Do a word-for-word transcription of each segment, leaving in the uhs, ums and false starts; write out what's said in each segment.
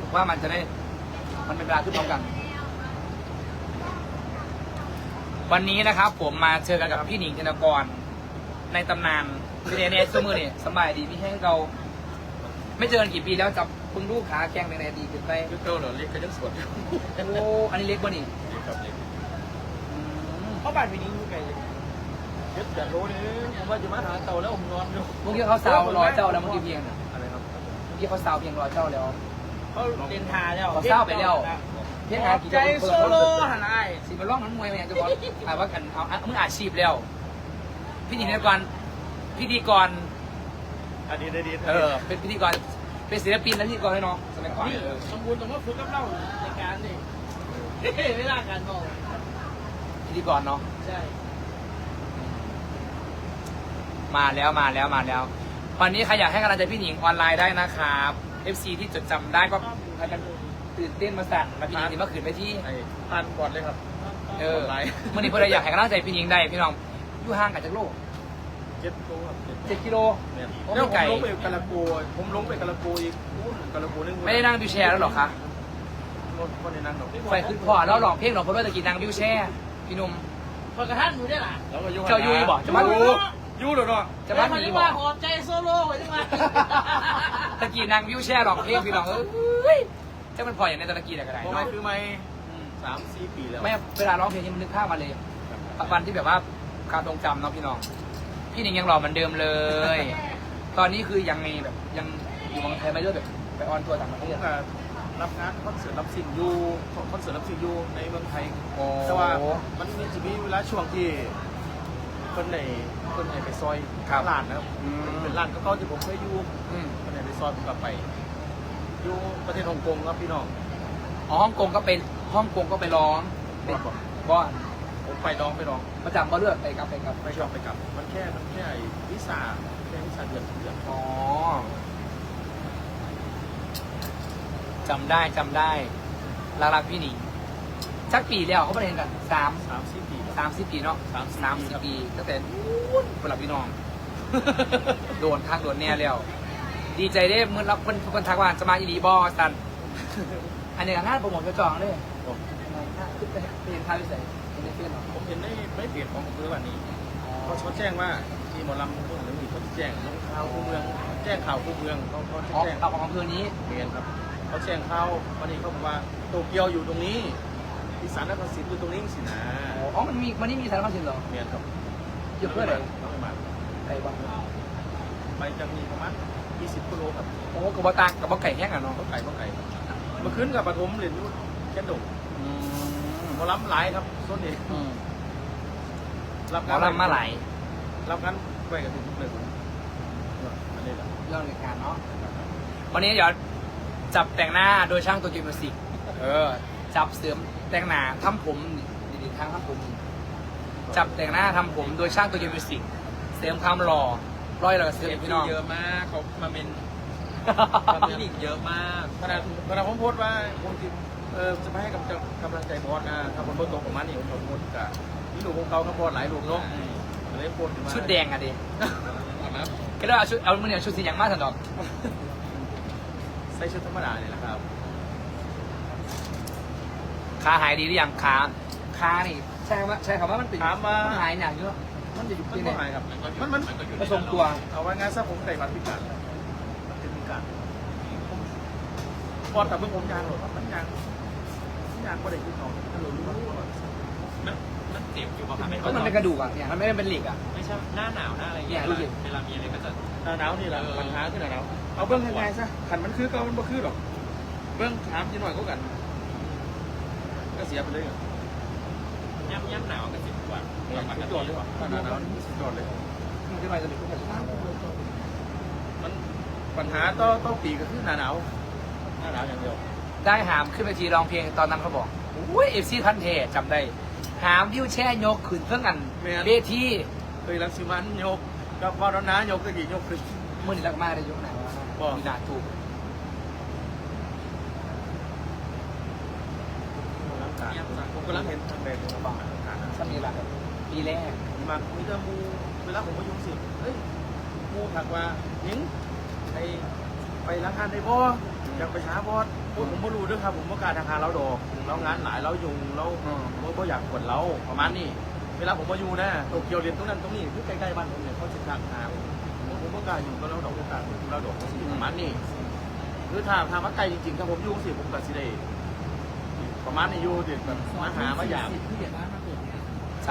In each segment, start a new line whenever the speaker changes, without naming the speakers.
ว่ามันจะได้มันเป็นเวลาขึ้นพร้อมกันวันนี้นะครับผมมาเจอกันกับพี่หนิงธนกรในตำนานพี่เนเน่ซูมือเนี่ยสบายดีพี่แห้งเราไม่เจอกันกี่ปีแล้วจับพึ่งลูกขาแกงในดีขึ้นไป
ยุคเก่าเหรอเล็กก็ยังสด
โอ้อันนี้เล็กป่ะนี่
เล็กครับเล็ก
เพราะบ้านพี่นิ้งอยู่ไกลเจ็ดแปดโลนี่ผมว่าจะมาหาเต่าแล้วผมนอนอยู่
เมื่อกี้เขาสาวรอเจ้าแล้วเมื่อกี้เพียงน่ะ
อะไรครับ
เมื่อกี้เขาสาวเพียงรอเจ้าแล้ว
เขาเรียนทาแล้ว
เขาเศร้าไปแล้วเพียงหากี่
ใจโซโลหันไอ้
สิมาล่องนั้นมวยไหมจะบอกถามว่ากันเอามึงอาชีพแล้วพี่หนิงธนกรพิธีกร
อันนี้ได้ดี
เออเป็นพิธีกรเป็นศิลปินและพิธีกรให้น้องสมัยก่อน
นี่สมบูรณ์ต้องมาฝึกกับเราในการนี่เวลาการมอง
พิธีกรเนาะ
ใช่
มาแล้วมาแล้วมาแล้ววันนี้ใครอยากให้กำลังใจพี่หนิงออนไลน์ได้นะครับ เอฟ ซี ที่จดจำได้ก็พากันตื่นเต้นมาสั่นมาพี่หนิงที่เมื่อคืนไปที่
ไอ้ทานก่อนเลยครับ
เออเมื่อนี้เพื่อนอยากให้กำลังใจพี่หนิงได้พี่น้องอยู่ห่างกันจากโลก
เจ็ดโลครับ
เจ็ดกิโล
เนี่ย
โอ้
แล้ว
ไม่
ผม
ไกล
ลงไปกะละโกผมลงไปกะละโกอีกอู้กะละโกนึง
ไม่ได้นั่งวิวแชร์แล้วหรอคะ
รถคนในนั้นหรอก
ไฟขึ้นพอแล้วหลอกเพลงหลอกคนด้วยตะกี้นั่งวิวแชร์พี่หนุ่ม
พอกระทั่งอยู่ได้ล่ะ
แล้วก็ยุ่ง
เจ้ายุ้ยบอกจะมา
ยูยูเดี๋ยวเนาะ
จะมาห
ห
นี
นี
บ
ว่า
อก
หอมใจโซโล่ไว้จังไง
ตะกี้นั่งวิวแชร์หลอกเพลงพี่น้องเอ้ยจะมันพออย่างในตะกี้แต่ก็ได้
พอไม่
เนาะ
คือไม่สามสี่ปีแล้ว
ไม่เวลาร้องเพลงนี่มันนึกภาพมาเลยวันที่แบบว่าการทรงจำเนาะพี่น้องพี่หนิงยังหล่อเหมือนเดิมเลย ตอนนี้คือยังไงแบบยังอยู่เมืองไทยไม่เลือกแบบไปออนทัวร์ต่างประเท
ผม
ศ
ก็รับงานคอนเสิร์ตรับสิ่งอยู่คอนเสิร์ตรับสิ่งอยู่ในเมืองไทย
โอ้
แต่ว่ามันมีจะมีเวลาช่วงที่คนในคนในไปซอยร้านนะครับ
อืม
เป็นร้านก็เขาที่ผมเคยอยู่
อืม
คนในไปซอยผมกลับไป อยู่ประเทศฮ่องกงครับพี่น้อง
อ๋อฮ่องกงก็เป็นฮ่องกงก็ไปร้องเป็นก็
ผมไปลองไปลอง
ประจำก็เลือกไปกลับไปกลับ
ไปชอบไปกลับ มันแค่มันแค่ไอ้วิซ่าแค่วิซ่าเดือนเดือน
อ๋อจำได้จำได้รักรักพี่หนิงสักปีแล้วเขาไปเห็นกันสาม
สามสี่ปีครับ
สามสิบปีเนาะ
สามสิบ
สามสิบปีตั้งแต่นู้นเป็นหลับพี่น้อง โดนทักโดนแน่แล้ว ดีใจได้เมื่อรับคนคนทักว่าจะมาอีดีบอสัน อันนี้ก็งานโปรโมทกระจองเลย
ผม
ขึ้นไปเห็นท่าพิเศษเห็นในเฟซเหรอ
ผมเห็นได้ไม่เปลี่ยนของผมคือวันนี้เขาเขาแจ้งว่าที่หมอลำเมืองหรือมีเขาแจ้งลงข่าวคู่เมือง แจ้งข่าวคู่เมืองเขาเขา
อ๋อ
แจ้ง
เอาของอำเภอนี้
เรียนครับเขาแจ้งข่าววันนี้เขาบอกว่าโตเกียวอยู่ตรงนี้อีสานนครศรีอยู่ตรงนี้สินะ
อ๋อ มันมีมันนี่มีสารพัดสินเหรอ
เรียนครับ
เยอะเพื่ออะไร
น้องไม่มา
ไอ้บ้าง
ไปจะมีประมาณยี่สิบกิโลครับ
โอ้กระบอกตากกระบอกไก่แห้งอ่ะเนาะ
ก็ไก่ก็ไก่ครับเมื่อคืนกับปฐมเรียนอยู่แค่ดก
อืม
หมอลำหลายครับส่วนนี้
อืม
รับ
หมอลำมาหลาย
รับกันไปกับทุกเลยผมอันนี้แหละ
เรื่องรายการเนาะ วันนี้เดี๋ยวจับแต่งหน้าโดยช่างตัวกิมมิวสิกเออ จับเสริมแต่งหน้าทำผมดีๆทางทำผม จับแต่งหน้าทำผมโดยช่างตัวกิมมิวสิกเสริมความหล่อร้อยเราเสริมพี่น้อง
เยอะมากเขามาเป็นคลินิกเยอะมาก
ขณะขณะผมโพสต์ว่าผมจิเออจะไปให้กำลังกำลังใจบอสนะถ้าผมโพสต์ตรงประมาณนี้ผมโพสต์กับนี่ลูกของเขาครับบอสหลายลูกเนาะเลยโพสต์มา
ชุดแดงอะดิ
นะ
ก็ได้เอาชุดเอามือเนี่ยชุดสีอย่างมากสันดอก
ใส่ชุดธรรมดาเนี่ยแหละครับ
ขาหายดีหรือยังขาขานี่ใช่คำว่าใช่คำว่ามันเป็น
ถามว่า
นหายหนักเยอะมันจะอยู่
มัน
ที่
ก็
ไหน
หายครับมันมัน
ผสมตัว
เอาไว้งานซะผมใส่บัตรพิการมันเป็นพิการบอสกับเมื่อผมยางหรอมันยางยางก็ได้ขึ้นเขาถ้าเรารู้ว่า
มันมันเจ็บอยู่ป่ะครับ
ก็มันเป็นกระดูกอ่ะเนี่ยมันไม่ได้เป็นเหล็กอ่ะ
ไม่ใช่หน้าหนาวหน้าอะไรเงี้ยเวลามีอะไรก็จะ
หน้าหนาวนี่แหละปัญหาขึ้นหน้าหนาวเอาเบื้องยังไงซะขันมันคือเก่ามันบ่คือหรอกเบื้องถามจีหน่อยก็กันก็เสียไปเลย
ย่ำย่ำหนาวก็เจ็บกว่า
สุดยอดเลยว่ะหน้าหนาวนี่สุดยอดเลย
มันจะไปจะเป็นพวกแบบนั้น
มันปัญหาต่อต่อปีก็คือหน้าหนาวหน้าหนาวอย่างเดียว
ได้หามขึ้นไปทีร้องเพลงตอนนั้นเขาบอกอุ้ยเอฟซีพันเทจำได้หามวิวแช่ยกขึ้นเพื่อกันเวที
เคยรังสิมันยกกับวารณายกตะกี้ยกขึ้น
มื่อนี้รักมากได้ยกไหนวะมีนาถูก
ผมกำลังเห็นทางแดงของบ้าน
สมีรักปีแรก
มามีแต่มูเวลาผมมายุ่งสิเฮ้ยมูถักว่าหญิงไปไปร้านอาหารได้บ่
อืม
อยากไปช้าบอสผมผมไม่รู้ด้วยครับผมว่าการทางการเราดอกเรางานหลายเรายุงเราผมก็อยากกดเราประมาณนี้เวลาผมมาอยู่นะโตเกียวเรียนตรงนั้นตรงนี้คือใกล้ๆบ้านผมเนี่ยเขาจะทางหาผมผมก็กล้าอยู่ก็เราดอกโอกาสเราดอกประมาณนี้คือถ้าทางมาไกลจริงๆถ้าผมอยู่สิผมก็สิได้ประมาณนี้อยู่เด็กแบบมาหามาอยาก
ผู้ใหญ่บ้านมาเปิดเนี่ย
จ้ะ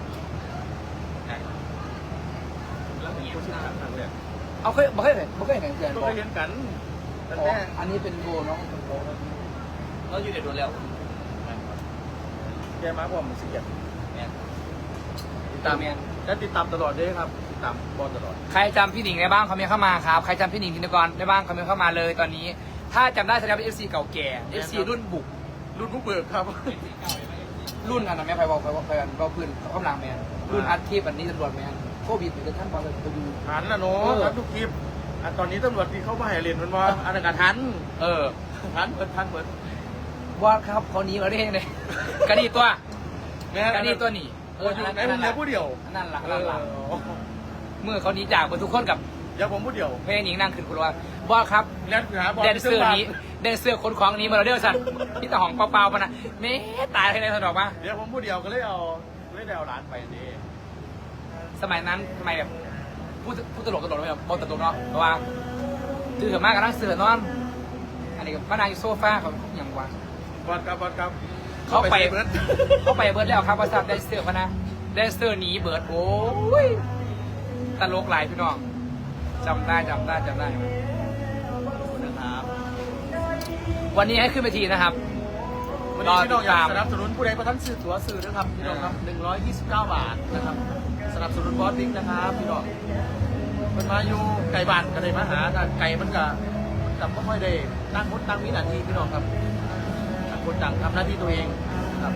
แล้วมีคนที่ทางทางเลย
เอาเคยบ่เคยเห็นบ่เคยเห็นเพื่อน
ก็
บอก
ไปเรียนกันแต่
อ๋อ
แม่
อันนี้เป็นโบน้องเป็นโบ
เราอยู่เด็ดโดนแล้ว
แกมาพร้อมสิเกียรติ
แม่
ติดตามและติดตามตลอดเลยครับติดตามบอลตลอด
ใครจำพี่หนิงได้บ้างคอมเมนต์เข้ามาครับใครจำพี่หนิงธินกรได้บ้างคอมเมนต์เข้ามาเลยตอนนี้ ถ้าจำได้แสดงว่า เอฟ ซี เก่าแก่ เอฟ ซี รุ่นบุก
รุ่นผู้เบิกครับ
รุ่นอันนั้นแม่ไฟบอกไฟบอกไฟกันก็พื้นกำลังแมนรุ่นอัดทีปอันนี้ตำรวจแมนโควิดเหมือนกันท่านบอลเลยไปดู
หันนะเนาะทันทุกคลิปอันตอนนี้ตำรวจที่เข้ามาให้เรียนมันว่าอันนั้นก็ทัน
เออ
ทันเปิดทันเปิด
ว่าครับเขาหนีมาได้ยังไงกระดีตัว
แม่
กระดีตัวหนี
เอออยู่ในผมเหลือผู้เดียว
นั่นหลัก
เอ
นั่น
อ
หลักเมื่อเขาหนีจากหมดทุกคนกับ
เดี๋ยวผมผู้เดียว
แม่หนิงนั่งขึ้นคุณว่าบอสครับ
เรียนหาบอล
แดนเซอร์นี้แดนเซอร์คนของนี้มาเราเดียวสัตว์พี่ตาหองเปล่าๆปะนะเม่ตายในสนอกมา
เดี๋ยวผมผู้เดียวก็เลยเอาเลยได้เอาร้านไปดี
สมัยนั้นทำไมแบบพูดพูดตลกตลกไม่แบบบอลตลกเนาะเพราะว่าตื่นมากกับนั่งเสือนอน อันนี้ก็มานางอยู่โซฟาเขาอย่างว่า
บอลครับบอลครับ
เขาไป
เบิร์ด
เขาไปเบิร์ดแล้วครับว่าทราบแดนเซอร์พะนะแดนเซอร์หนีเบิร์ดโอ้ยตลกหลายพี่น้องจำได้จำได้จำได้
นะครับ
วันนี้ให้ขึ้นไปทีนะครับ
วันนี้พี่น้องอยากสนับสนุนผู้ใดประทันสื่อตั๋วสื่อนะครับพี่น้องครับหนึ่งร้อยยี่สิบเก้าบาทนะครับสนับสนุนบอสบิ๊กนะครับพี่น้องมันมาอยู่ไก่บ้านก็เลยมาหาแต่ไก่มันก็แต่ไม่ค่อยได้ตั้งคนตั้งวินาทีพี่น้องครับต่างคนต่างทำหน้าที่ตัวเองนะครับ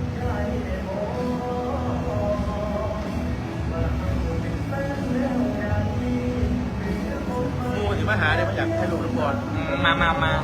มูถึงมาหาเนี่ยมาอยากให้ลูกน้ำบอล
อืมมามามา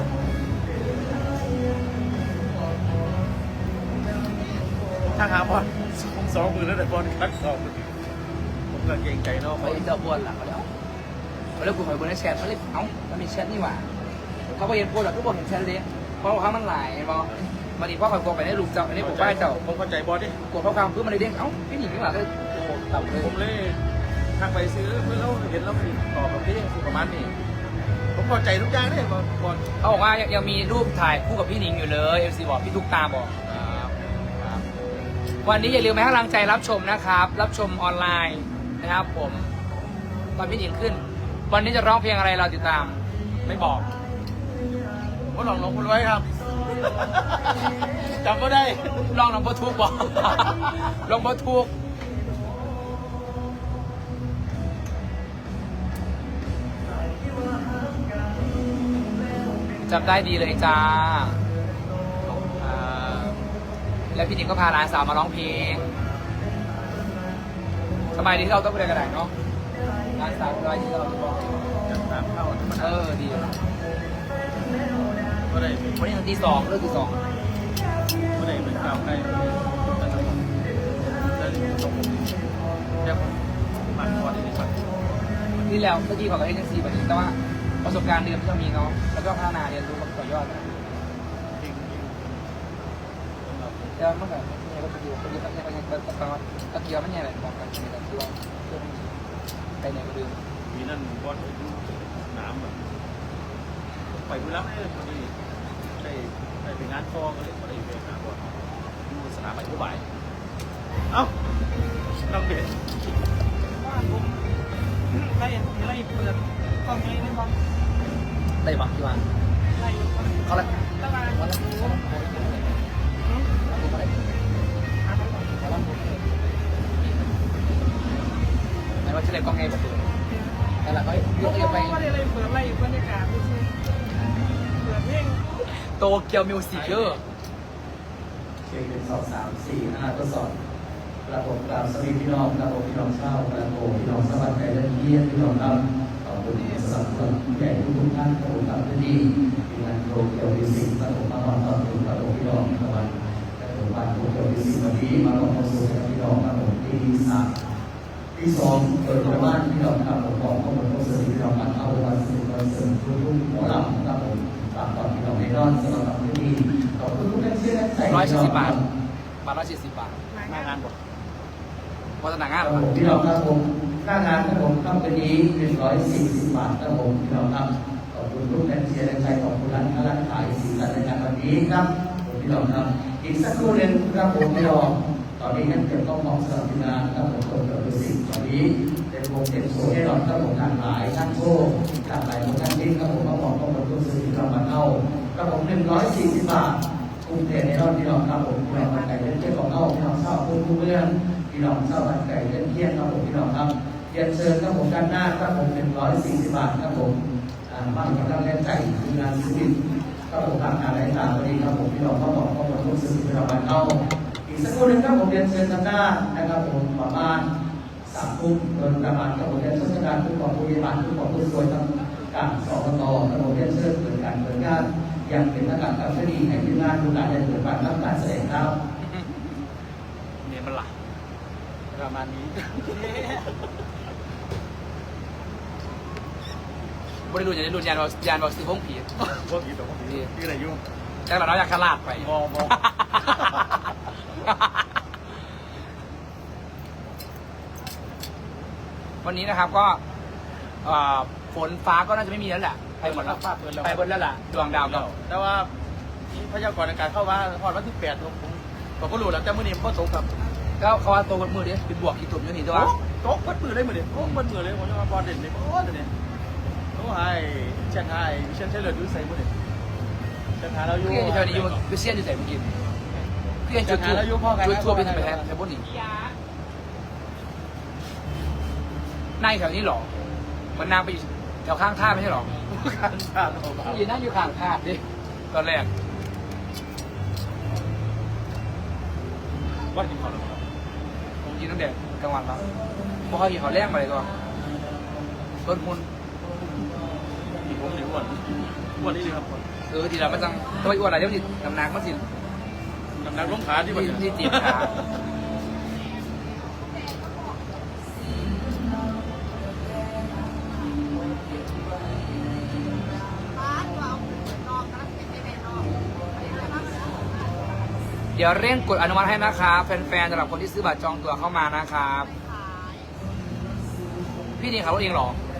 ถ้าหาบอลผมสองมือแล้วแต่บอลคัดสองมือผมก็เกรงใจเนาะ
ไปเจอบอลล่ะเขาเดี๋ยวเขาเรียกกูหอยบนในแชทเขาเรียกเอ้ามันมีแชทนี่หว่าเขาไปเห็นโพสต์แบบทุกคนเห็นแชทเลยเพราะว่ามันหลายบอลมันอีกเพราะคอยกดไปในลูกเจ้าอันนี้ผมป้ายเจ้า
ผมเข้าใจบอลดิ
กดข้อความเพื่อมันเลยเด้งเอ้าพี่หนิงนี่หว่าเลยโอ้โหต่ำเลย
ผมเลยทางไปซื้อเพื่อเราเห็นเราผิดต่อแบบนี้ประมาณนี้ผมเข้าใจทุกอย่างเลยบอลบอล
เขาบอกว่ายังยังมีรูปถ่ายคู่กับพี่หนิงอยู่เลยเอฟซีบอกพี่ทุกตาบอก
ครับครับ
วันนี้อย่าลืมให้กำลังใจรับชมนะครับ รับชมออนไลน์นะครับ ผมตอนพี่หนิงขึ้น วันนี้จะร้องเพลงอะไรเราติดตาม ไม่บอก
ผมก็ลองลงคุณไว้ครับจำไม่ได้
ลองลองบทุกบอก ลองบทุกจำได้ดีเลยจ้า
อ่า
แล้วพี่หนิงก็พาหลานสาวมาร้องเพลงสมัยนี้เราต้องไปเรียนกระดาษเนาะหลานสาวร้อยที่เราต้องร้อง
จัดตามเข้าธรรม
เอ
ดา
อดี
ก็ได้
วันนี้ถึงตีสองเลิกตีสอง
ก็ได้เป็นข่าวใครแต่ละคนได้ตรงเรียกมันบอลนี่ครับ
นี่แล้วเมื่อกี้บอกกับเอเจนซี่แบบนี้แต่ว่าประสบการณ์เดิมที่เรามีเนาะแล้วก็พัฒนาเรียนรู้ต่อยอดนะ
จริง
แต่เมื่อก่อนเนี่ยก็ไปอยู่ไปอยู่ไปอยู่ไปอยู่ไปอยู่ตอนตะเกียบมันเนี่ยแหละบอกกันแต่คือว่าเพื่อนไปไหนก็ดืม
ๆมีนั่นบอลไปดูสนามแบบไปดูรับเลยพอดีได้ได้ไปงานฟองก็เลยพอได้ไปหาบอลดูสนามไปผู้บ่ายเอ้าน้องเด็ก
บ้านผมไล่ไล่เปิดกล้องนี้นี่บ้าง
ได้บักที่ว่า
ไล่
เขาละ
ตลาด
วันละเขาละเขาละเขาละไหนว่าจะเล่นกองไงบอกเลยแต่ละเขาเยอะไป
ไม่ได้ไล่เปิดไล่บรรยากาศดูสิเปิดเพลง
โตเกียวมิวสิกเยอะ
เช็คหนึ่งสองสามสี่ห้าทดสอบกระผมกราบสวัสดีพี่น้องกระผมพี่น้องเช่ากระผมพี่น้องสวัสดิ์ใจและเยี่ยมพี่น้องครับขอบคุณสำหรับคนใหญ่ทุกท่านกระผมกับที่นี่ที่งานโตเกียวมิวสิกกระผมมาตอนตอนถึงกระผมพี่น้องตะวันกระผมบ้านโตเกียวมิวสิกวันนี้มาลงมาสู่กับพี่น้องกระผมที่สามที่สองเปิดประมาณพี่น้องครับผมบอกข้อมูลข้อมูลพี่น้องกันเอาวันสุดวันเสริมทุกทุกหมอลำครับผมตามตอนอนสำหรับที่นี่ขอบคุณทุกท่านที่ได้ใส่
ร้อยสี่สิบบาทบาทร้อยสี่สิบบาท
หน้างานบอก
วัฒนางาน
ค
เหร
รั
อบ
ผมพี่น้องครับผมหน้างานครับผมค่ำคืนนี้หนึ่งร้อยสี่สิบบาทครับผมพี่น้องครับขอบคุณทุกท่านที่ได้ใส่ขอบคุณร้านค้าร้านขายสีสันในงานวันนี้ครับผมพี่น้องครับอีกสักครู่หนึ่งครับผมพี่น้องตอนนี้ท่านเก็บต้องมองสำหรับทีมงานครับผมคนเกิดเป็นสิ่งตอนนี้เป็นวงเด็กโซ่ให้เราครับผมทางหลายท่านโชคทางหลายของท่านทิ้งครับผมก็บอกต้องมาทุกสื่อที่เรามาเข้าครับผมหนึ่งร้อยสี่สิบบาทกรุงเทพในรอบที่เราครับผมพี่น้องมาไก่เล่นเจ้าของเข้าพี่น้องเศร้าพูดทุกเรื่องพี่น้องเศร้าบันไก่เล่นเที่ยงครับผมพี่น้องครับเรียนเชิญครับผมด้านหน้าครับผมหนึ่งร้อยสี่สิบบาทครับผมบ้านกำลังเล่นไก่คืองานศิลป์ครับผมทางงานหลายทางวันนี้ครับผมพี่น้องก็บอกก็มาทุกสื่อที่เรามาเข้าอีกสักครู่หนึ่งครับผมเรียนเชิญทางหน้านะครับผมประมาณสามทุ่มโดยประมาณกับผมเรียนเชิญการผู้กองผู้บริหารผู้กองผู้ช่วยทั้งการสอบตครับผมเรียนเชิญเปิดการเปิดงานยังเป็นประกาศการคดีให้ที่งานดูแลในเปิดการรับการแสดงครับ
เนี่ยมันหลัก
ประมาณนี้
บริดูอย่างนี้ดูยานเรายานเราซื้อห้องผี
พวกผีตัวพวกผีที่อะไรยุ่ง
แต่เราเราอยากขลาดไป
มองมอง
วันนี้นะครับก็เอ่อฝนฟ้าก็น่าจะไม่มีแล้วแหละไปหมดแล้ว
ฟ้าเปิดแล้ว
ไปหมดแล้วล่ะดวงดาวก็
แต่ว่าพยากรณ์อากาศเข้าว่าพอวันที่แปดผมผมก็รู้แล้วแต่มื่อนี้ผมก็ตกครับ
ก็เขาว่าตัวมือดิเป็นบวกกี่ตุ่มอยู่นี่ตัว
ตกวัดมือเลยมื่อนี้โอ้วัดมือเลยผมจะมาบอลเด่นเลยโอ้ตัวนี้โอ้ไฮเชียงไฮ้เชียงเฉลิมยุ่งใส่มื่อนี้เชียงไฮ้เราอยู่
เพื่อนอยู่แถวนี้อยู่ไปเซียนอยู่ไหนเมื่อกี้เพื่อนจุดทั่วจุดทั่วเป็นไปแทนแถวบนนี้นายแถวนี้หรอมันนางไปอยู่แถวข้างท่าไม่ใช่หรอ
การชาติของเรา
อยู่นั่งอยู่ข้างท่าดิตอนแรก
วัดกินข้าวหรือเปล่า
ผมกินตั้งแต่กลางวันแล้วเพราะเขากินเขาวแรงไปเลยตัวต้นมุน
อีกผมหนึ่งวันวันนี้เลยครับ
เออทีเราไม่ต้องตัวอ้วนอะไรเดี๋ยวมันน้ำหนักมันสิ
น้ำหนักลงขาที่วัน
ที่จีบขา เดี๋ยวเร่งกดอนุมัติให้นะครับแฟนๆสำหรับคนที่ซื้อบัตรจองตั๋วเข้ามานะครับ พี่นี่ขับรถเองเหรอ
จ